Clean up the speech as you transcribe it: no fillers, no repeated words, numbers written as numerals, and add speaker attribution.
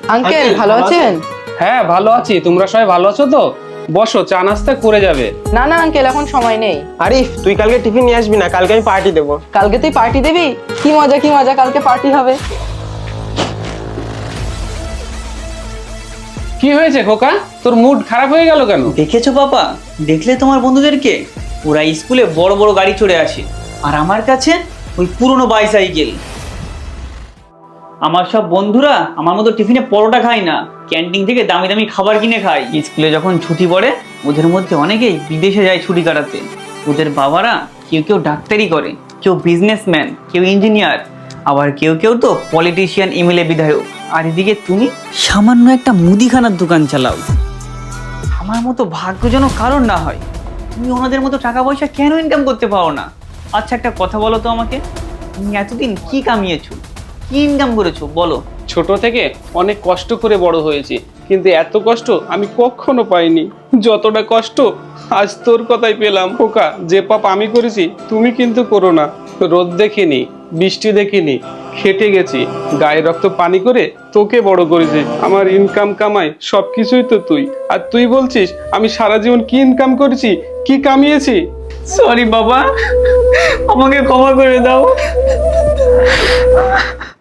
Speaker 1: Uncle ভালো আছেন?
Speaker 2: হ্যাঁ ভালো আছি, তোমরা সবাই ভালো আছো তো? বসো, চা নাস্তা করে যাবে।
Speaker 1: না না আঙ্কেল, এখন সময় নেই।
Speaker 3: আরিফ, তুই কালকে টিফিন নিয়ে আসবি না, কালকে আমি পার্টি দেবো।
Speaker 1: কালকে তুই পার্টি দিবি? কি মজা কি মজা, কালকে পার্টি হবে।
Speaker 2: কি হয়েছে খোকা, তোর মুড খারাপ হয়ে গেল কেন?
Speaker 4: দেখেছো পাপা, দেখলে তোমার বন্ধুদেরকে? ওরা স্কুলে বড় বড় গাড়ি চড়ে আসে, আর আমার কাছে ওই পুরনো বাইসাইকেল। আমার সব বন্ধুরা আমার মতো টিফিনে পরোটা খায় না, ক্যান্টিন থেকে দামি দামি খাবার কিনে খায়। স্কুলে যখন ছুটি পড়ে ওদের মধ্যে অনেকেই বিদেশে যায় ছুটি কাটাতে। ওদের বাবারা কেউ কেউ ডাক্তারি করে, কেউ বিজনেসম্যান, কেউ ইঞ্জিনিয়ার, আবার কেউ কেউ তো পলিটিশিয়ান, এমএলএ, বিধায়ক। আর এদিকে তুমি সামান্য একটা মুদিখানার দোকান চালাও। আমার মতো ভাগ্য যেন কারণ না হয়। তুমি ওনাদের মতো টাকা পয়সা কেন ইনকাম করতে পারো না? আচ্ছা একটা কথা বলো তো আমাকে, তুমি এতদিন কি কামিয়েছো, কি ইনকাম করেছো বলো?
Speaker 2: ছোট থেকে অনেক কষ্ট করে বড় হয়েছি, কিন্তু এত কষ্ট আমি কখনো পাইনি। যতটা কষ্ট আজ তোর কথাই পেলাম। খোকা, যে পাপ আমি করেছি তুমি কিন্তু করো না। রোদ দেখিনি, বৃষ্টি দেখিনি, খেটে গেছি, গায়ে রক্ত পানি করে তোকে বড় করেছি। আমার ইনকাম কামাই সবকিছুই তো তুই, আর তুই বলছিস আমি সারা জীবন কি ইনকাম করেছি, কি কামিয়েছি।
Speaker 4: সরি বাবা, আমাকে ক্ষমা করে দাও।